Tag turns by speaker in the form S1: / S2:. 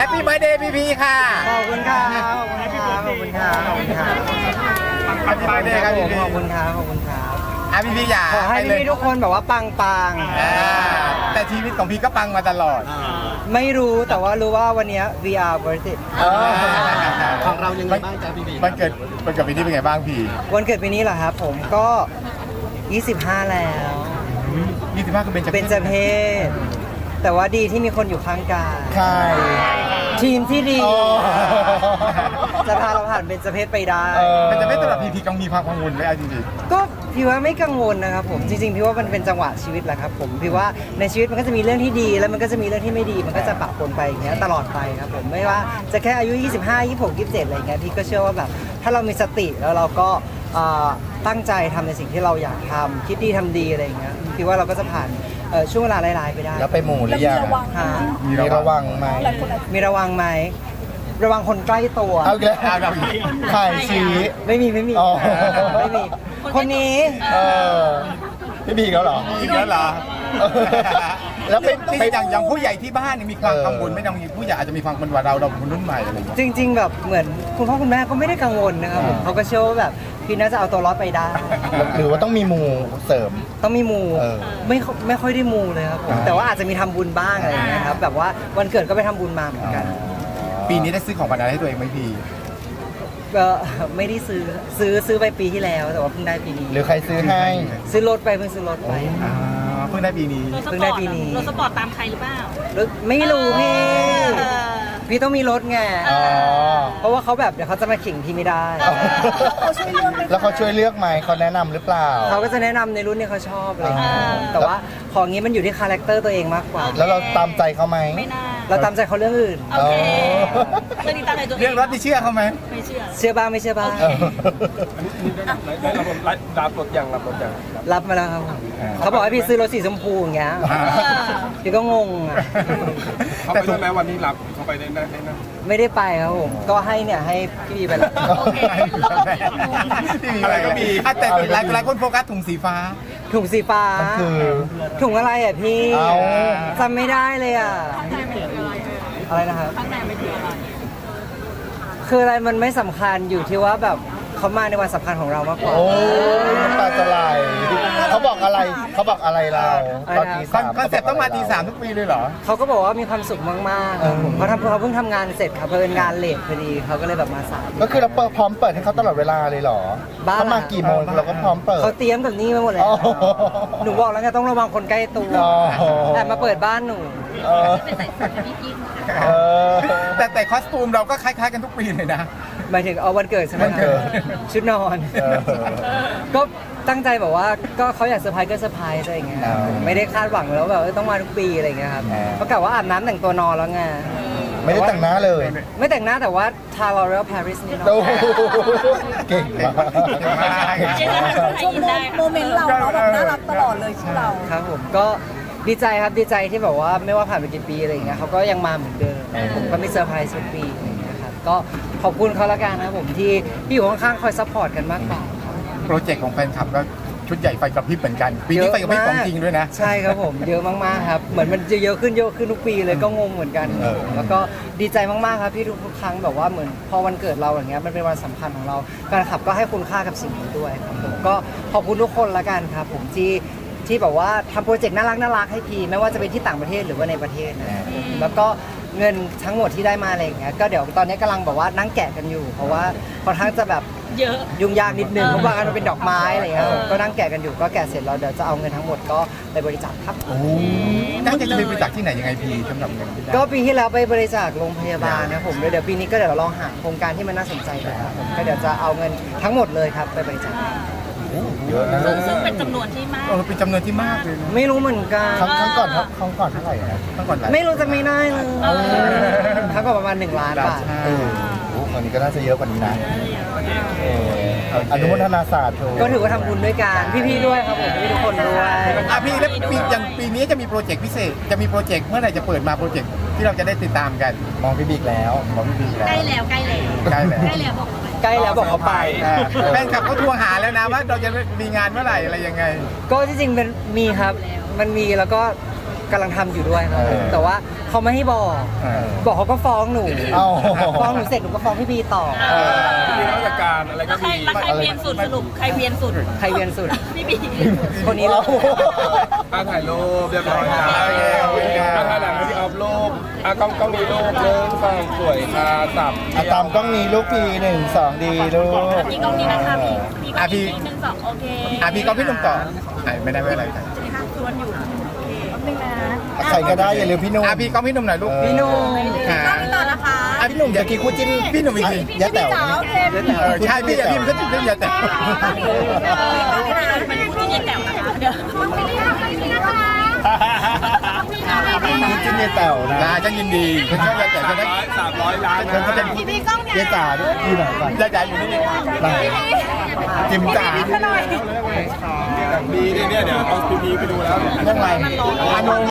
S1: ปี้เบิร์ธเดย์พี่พีค่ะ
S2: ขอบคุณครับขอบคุณครับขอบคุณครับขอบคุณครับ
S1: แฮปปี้เบิร์ธเดย์ครับพี่พี
S2: ขอบคุณครับขอบคุณครับ
S1: พี่พีอยาก
S2: ขอให้พี่ๆทุกคนแบบว่าปัง
S1: แต่ชีวิตของพี่ก็ปังมาตลอด
S2: ๆไม่รู้แต่ว่ารู้ว่าวันนี้ VR worth it
S3: ของเรายังไงบ้างจ๊ะพี่บี
S1: มันเกิดปีนี้เป็นไงบ้างพี่
S2: วันเกิดปีนี้เหรอครับผมก็ 25 แล้ว
S1: 25ก็เป็น
S2: เป็นเจเพศแต่ว่าดีที่มีคนอยู่ข้างกาย
S1: ใช่
S2: ทีมที่ดี จะพาเราผ่านเป็นเจเพศไปได้
S1: มันจะไม่สำหรับพี่พีกังมีความกังวลไหมเอาจริง
S2: ก็พี่ว่าไม่กังวลนะครับผมจริงๆพี่ว่ามันเป็นจังหวะชีวิตแหละครับผมพี่ว่าในชีวิตมันก็จะมีเรื่องที่ดีแล้วมันก็จะมีเรื่องที่ไม่ดีมันก็จะปะปนไปอย่างเงี้ยตลอดไปครับผมไม่ว่าจะแค่อายุ 25 26 27อะไรเงี้ยพี่ก็เชื่อว่าแบบถ้าเรามีสติแล้วเราก็ตั้งใจทำในสิ่งที่เราอยากทำคิดดีทำดีอะไรอย่างเงี้ยพี่ว่าเราก็จะผ่านช่วงเวลาร้ายๆไปได้
S3: แล้วไปหมู่หรือยัง
S2: ฮะ
S1: มีระวังไหม
S2: มีระวังไหมระวังคนใกล้ตัว
S3: เอาอีกแล้วไข่ชี้
S2: ไม่มี
S3: อ๋อ
S2: ไม่มีคนนี้
S3: พี่บีเขาเหรอ
S1: จริงแล้วเหรอ
S3: แล้วไป
S1: อย่างผู้ใหญ่ที่บ้านมีความกังวลไหมบางทีผู้ใหญ่อาจจะมีความกังวลว่าเราคนรุ่นใหม่อะไรอย่างเงี้ย
S2: จริง ๆ แบบเหมือนคุณพ่อคุณแม่ก็ไม่ได้กังวลนะครับผมเขาก็เชื่อว่าแบบพี่น่าจะเอาตัวรอดไปได้
S3: หรือว่าต้องมีหมู่เสริม
S2: ต้องมีมู
S3: เออ
S2: ไม่ค่อยได้มูเลยครับผมแต่ว่าอาจจะมีทำบุญบ้างอะไรอย่างเงี้ยครับแบบว่าวันเกิดก็ไปทำบุญมาเหมือนกัน
S1: ปีนี้ได้ซื้อของขวัญอะไรให้ตัวเองไหมพี่
S2: ก็ไม่ได้ซื้อไปปีที่แล้ว แต่ว่าเพิ่งได้ปีนี้
S3: หรือใครซื้อให้
S2: ซื้อรถไปเพิ่งซื้อรถไป
S1: เพิ่งได้ปีนี้
S2: เพิ่งได้ปีนี้
S4: รถสปอร์ตตามใครหรือเปล่า
S2: ไม่รู้พี่
S4: เออ
S2: พี่ต้องมีรถไง
S3: อ๋อ
S2: เพราะว่าเขาแบบเดี๋ยวเขาจะมาขิงพี่ไม่ได้
S3: แล้วเขาช่วยเลือกไหมเขาแนะนำหรือเปล่า
S2: เขาก็จะแนะนำในรุ่นที่เขาชอบอะไรอย่างเงี้ยแต่ว่าของนี้มันอยู่ที่คาแรคเตอร์ตัวเองมากกว่า
S3: แล้วเราตามใจเขาไหม
S4: ไม่น่า
S2: เราตามใจเขาเรื่องอื่น
S4: โอเค
S3: อ๋อ
S4: เรื่องนี้ตามใจตัวเอง
S1: เรื่องรถที่เชื่อเขาไหม
S4: ไม่เชื่อ
S2: เชื่อบ้างไม่เชื่อบ้าง
S3: เออ
S5: รับรถยัง
S2: รับมาแล้วครับผมเขาบอกให้พี่ซื้อรถสีชมพูอย่างเงี้ยพี่ก็งงอ่ะ
S5: เขาไปได้ไหมวันนี้รับเขาไปได้นะ
S2: ไม่ได้ไปครับผมก็ให้เนี่ยให้พี่บีไปแล้ว
S4: โอเค
S1: พี่มีอะไรก็มีแต่หลายคนโฟกัสถุงสีฟ้า
S2: ถุงสีฟ้า
S3: มันคือ
S2: ถุงอะไรอ่ะพี่
S3: เอา
S2: จำไม่ได้เลยอ่ะอะไรนะครับ
S4: ข้างในไม่ถืออะไร
S2: คืออะไรมันไม่สำคัญอยู่ที่ว่าแบบเขามาในวันสำคัญของเรามากกว่า
S3: โอ้ยน้ำตาจะไหลเขาบอกอะไรเราตอนตีสาม
S1: คอนเซ็ปต์ต้องมาตี 3ทุกปีเลยเหรอ
S2: เขาก็บอกว่ามีความสุขมากๆครับผมเขาเพิ่งทำงานเสร็จครับเพิ่งงานเลทพอดีเขาก็เลยแบบมาสาย
S3: ก็คือเราพร้อมเปิดให้เขาตลอดเวลาเลยเหรอ
S2: บ้า
S3: เขามากี่โมงเราก็พร้อมเปิด
S2: เขาเตรียมกับนี่มาหมดเลย
S3: อ๋อ
S2: หนูบอกแล้วไงต้องระวังคนใกล้ตัว
S3: อ๋อ
S2: แต่มาเปิดบ้านหนู
S3: เออเออ
S1: แต่คอสตูมเราก็คล้ายๆกันทุกปีเลยนะ
S2: หมายถึงเอาวันเกิดใช่ไหม
S3: วันเกิด
S2: ชุดนอน
S3: เออ
S2: ก็ตั้งใจแบบว่าก็เขาอยากเซอร์ไพรส์ก็เซอร์ไพรส์อะไรอย่างเงี้ยครับ
S3: อ๋อ
S2: ไม่ได้คาดหวังแล้วแบบต้องมาทุกปีอะไรอย่างเงี้ยครับ
S3: อ๋อ
S2: เพราะกะว่าอาบน้ำแต่งตัวนอนแล้วไง
S3: ไม่ได้แต่งหน้าเลย
S2: ไม่แต่งหน้าแต่ว่าทาลอเรลปารีสนี่เนาะ
S3: โอ้โหเก่งมาก
S4: เจ๊จะทำให้อินได้
S6: โมเมนต์เราเนาะแบบน่ารักตลอดเลยชื่อเรา
S2: ครับผมก็ดีใจครับดีใจที่แบบว่าไม่ว่าผ่านไปกี่ปีอะไรอย่างเงี้ยเขาก็ยังมาเหมือนเดิมผมก็มีเซอร์ไพรส์ทุกปีอะไรอย่างเงี้ยครับก็ขอบคุณเขาละกันนะครับผมที่อยู่ข้างๆคอยซัพพอร์ตกันมากกว่า
S1: โปรเจกต์ของแฟนคลับก็ชุดใหญ่ไฟกระพริบเหมือนกัน ปีนี้ไฟกระพริบของจริงด้วยนะ
S2: ใช่ครับผมเยอะมากๆครับเหมือนมันจะเยอะขึ้นทุกปีเลยก็งงเหมือนกัน
S3: เออ
S2: แล้วก็ดีใจมากๆครับที่ทุกครั้งแบบว่าเหมือนพอวันเกิดเราอย่างเงี้ยมันเป็นวันสำคัญของเราแฟนคลับก็ให้คุณค่ากับสิ่งนี้ด้วยครับผมก็ขอบคุณทุกคนละกันครับผมที่แบบว่าทำโปรเจกต์น่ารักให้พีไม่ว่าจะเป็นที่ต่างประเทศหรือว่าในประเทศนะครับผมแล้วก็เงินทั้งหมดที่ได้มาอะไรอย่างเงี้ยก็เดี๋ยวตอนนี้กำลังแบบว่านั่งแกะกันอยู่ เพราะว่าค่อนข้างจะแบบ
S4: เยอะ
S2: ยุ่งยากนิดนึงเพราะว่ามันเป็นดอกไม้อะไรเงี้ยก็นั่งแกะกันอยู่ก็แกะเสร็จแล้วเดี๋ยวจะเอาเงินทั้งหมดก็ไปบริจาคครับ
S1: น่าจะไปบริจาคที่ไหนยังไงพี่สำหรับเงินที่ได้
S2: ก็ปีที่แล้วไปบริจาคโรงพยาบาลนะผมเดี๋ยวปีนี้ก็เดี๋ยวลองหาโครงการที่มันน่าสนใจดูครับผมก็เดี๋ยวจะเอาเงินทั้งหมดเลยครับไปบริจาค
S3: เยอะนะ
S4: ซึ่งเป็นจำนวนที่มาก
S1: เป็นจำนวนที่มากเลยนะ
S2: ไม่รู้เหมือนกัน
S3: ครั้งก่อนเท่าไหร่นะ
S1: ตั้งก่อนหลาย
S2: ไม่รู้จะไม่ได้เลยครั้งก็ประมาณ1 ล้านบาท
S3: เออโอ้คราวนี้ก็น่าจะเยอะกว่านี้นะเอออนุโมทนาสาธุ
S2: ก็ถือว่าทำบุญด้วยกันพี่ๆด้วยครับผมพี่ทุกคนด้วย
S1: พี่แล้วอย่างปีนี้จะมีโปรเจกต์พิเศษจะมีโปรเจกต์เมื่อไหร่จะเปิดมาโปรเจกต์ที่เราจะได้ติดตามกัน
S3: มองพี่บิ๊กแล้ว
S1: ของพี่พีแล้ว
S4: ใกล้แล้วใกล้แล้ว
S1: ใกล้แล้ว
S4: ใกล้แล้วบอก
S2: ใกล้แล้วบอกเขาไป
S1: แฟนคลับเขาทวงหาแล้วนะว่าเราจะมีงานเมื่อไหร่อะไรยังไง
S2: ก็ที่จริงเป็นมีครับ มันมีแล้วก็กำลังทำอยู่ด้วยครับผมแต่ว่าเขาไม่ให้บอกเขาก็ฟ้องหนู
S3: เอ้า
S2: ฟ้องหนูเสร็จหนูก็ฟ้องพี่บีต่อ
S5: มีราชการอะไรก็
S4: แล้วใคร
S5: มี
S4: เวียนสุดสรุปใครเวียนสุด
S2: ใครเวียนสุด
S4: พี่บี
S2: คนนี้เลย
S5: ถ่ายรูปเรียบร้อยจ้า
S1: โอเค
S5: ถ่ายหนังที่ออฟรูปกล้องนี้รูปเริ่มฟังสวยสับ
S3: ตามกล้องนี้ลูกพี1 2ดีลูก
S4: พี่กล้องนี้นะคะพี่กล้องนี้หนึ่งสองโอเค
S1: พี่ก็พี่หนุ่มต่อไม่ได้ไม่อะไรครับ
S4: ชวนอยู่โอเค
S3: ใครก็ได้อย่าลืมพี่นุ่ม
S1: พี่ก็พี่หนุ่มหน่อยลูก
S2: พี่นุ่ม
S1: ค่ะ
S6: ต่อนะคะ
S1: พี่หนุ่มอย่ากี่คู่จิ้นพี่หนุ่มอีกที
S3: ยะแต๋ว
S6: โอเค
S1: ใช่พี่พี่มันก็จิ้นเรื่องอย่าแต่
S4: เป็นผู้ที่เย็นแต๋วนะคะเดี๋ยว
S3: พี่จิ้นยะแต๋วนะ
S1: ฉันยินดีฉันชอบอย่าแต่ฉันได้
S5: 300 ล้าน
S1: ฉันจะเป็น
S6: พี่กล้องเนี่ย
S3: ยะจ๋าด้วยอยู่ไหนก่อน
S1: ยาจ๋าอยู่นี่
S3: ไหน
S1: จิมจ๋า
S5: ดีเนี่ยเดี๋ยวเอาพีพีไปดูแล้ว
S1: เรื่องอะไรอานง